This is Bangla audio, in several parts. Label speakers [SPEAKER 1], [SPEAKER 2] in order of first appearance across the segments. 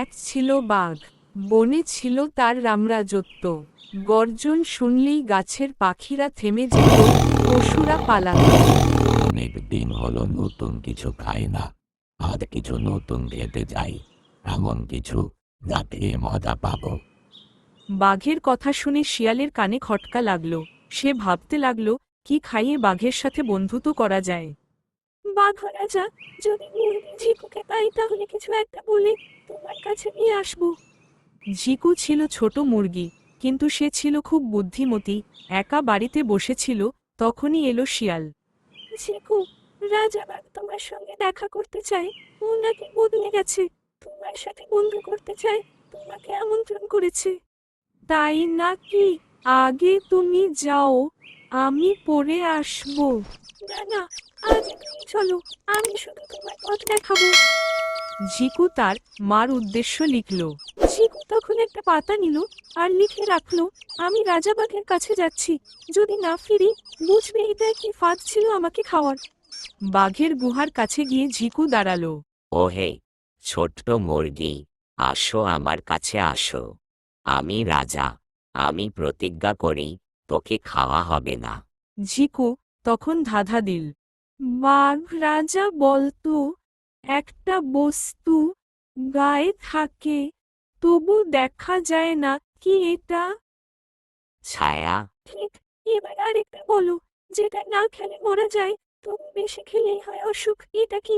[SPEAKER 1] এক ছিল বাঘ, বনে ছিল তার রামরাজত্ব। গর্জন শুনলেই গাছের পাখিরা থেমে যেত, পশুরা পালাত।
[SPEAKER 2] অনেক দিন হলো নতুন কিছু খাই না, আর কিছু নতুন খেতে চাই। এমন কিছু যা খেয়ে মজা পাবো।
[SPEAKER 1] বাঘের কথা শুনে শিয়ালের কানে খটকা লাগলো। সে ভাবতে লাগলো, কি খাইয়ে বাঘের সাথে বন্ধুত্ব করা যায়। বাঘ রাজা, যদি মুরগি ঝিকুকে পাই তাহলে কিছু একটা বলে তোমার কাছে নিয়ে আসবো। ঝিকু ছিল ছোট মুরগি, কিন্তু সে ছিল খুব বুদ্ধিমতী। একা বাড়িতে বসেছিল, তখনই এলো শিয়াল। ঝিকু, রাজা বাঘ তোমার সঙ্গে দেখা করতে চায়। ও নাকি বদলে গেছে, তোমার সাথে বন্ধু করতে চায়, তোমাকে আমন্ত্রণ করেছে। তাই নাকি? আগে তুমি যাও, আমি পরে আসবো। না না, আগে তুমি চলো, আমি শুধু তোমার পথ দেখাবো। ঝিকু তার মার উদ্দেশ্য লিখল। ঝিকু তখন একটা পাতা নিল আর লিখে রাখলো, আমি রাজাবাগের কাছে যাচ্ছি, যদি না ফিরি বুঝবে এটা কি ফাঁদ ছিল আমাকে খাওয়ার। বাঘের গুহার কাছে গিয়ে ঝিকু দাঁড়ালো।
[SPEAKER 3] ওহে ছোট্ট মুরগি, আসো আমার কাছে আসো। আমি রাজা, আমি প্রতিজ্ঞা করি তোকে খাওয়া হবে না।
[SPEAKER 1] ঝিকু তখন ধাঁধা দিল। বাঘ রাজা বলতো, একটা বস্তু গায়ে থাকে, তবু দেখা যায় না, কি এটা?
[SPEAKER 3] ছায়া।
[SPEAKER 1] ঠিক। এবার আরেকটা বলো, যেটা না খেলে মরা যায়, তবু বেশি খেলেই হয় অসুখ, এটা কি?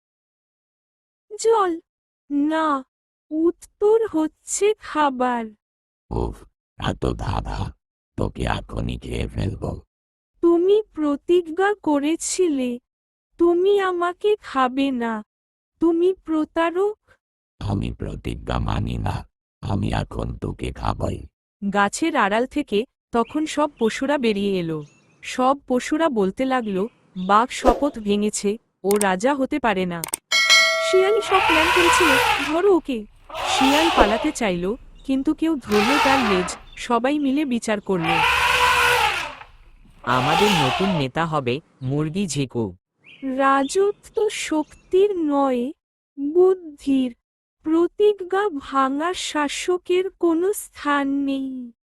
[SPEAKER 1] জল। না, উত্তর হচ্ছে খাবার।
[SPEAKER 2] উফ, এত ধাঁধা! তোকে এখনই খেয়ে ফেলবো।
[SPEAKER 1] তুমি প্রতিজ্ঞা করেছিলে, তুমি আমাকে খাবে না, তুমি প্রতারক।
[SPEAKER 2] আমি প্রতিজ্ঞা মানি না, আমি এখন তোকে খাবই।
[SPEAKER 1] গাছের আড়াল থেকে তখন সব পশুরা বেরিয়ে এলো। সব পশুরা বলতে লাগলো, বাঘ শপথ ভেঙেছে, ও রাজা হতে পারে না। শিয়ালই সব প্ল্যান করেছিল, ধরো ওকে। শিয়াল পালাতে চাইল, কিন্তু কেউ ধরল তার লেজ। সবাই মিলে বিচার করল।
[SPEAKER 3] আমাদের নতুন নেতা হবে মুরগি ঝিকু।
[SPEAKER 1] রাজত্ব শক্তির নয়, বুদ্ধির। প্রতিজ্ঞা ভাঙা শাসকের কোনো স্থান নেই।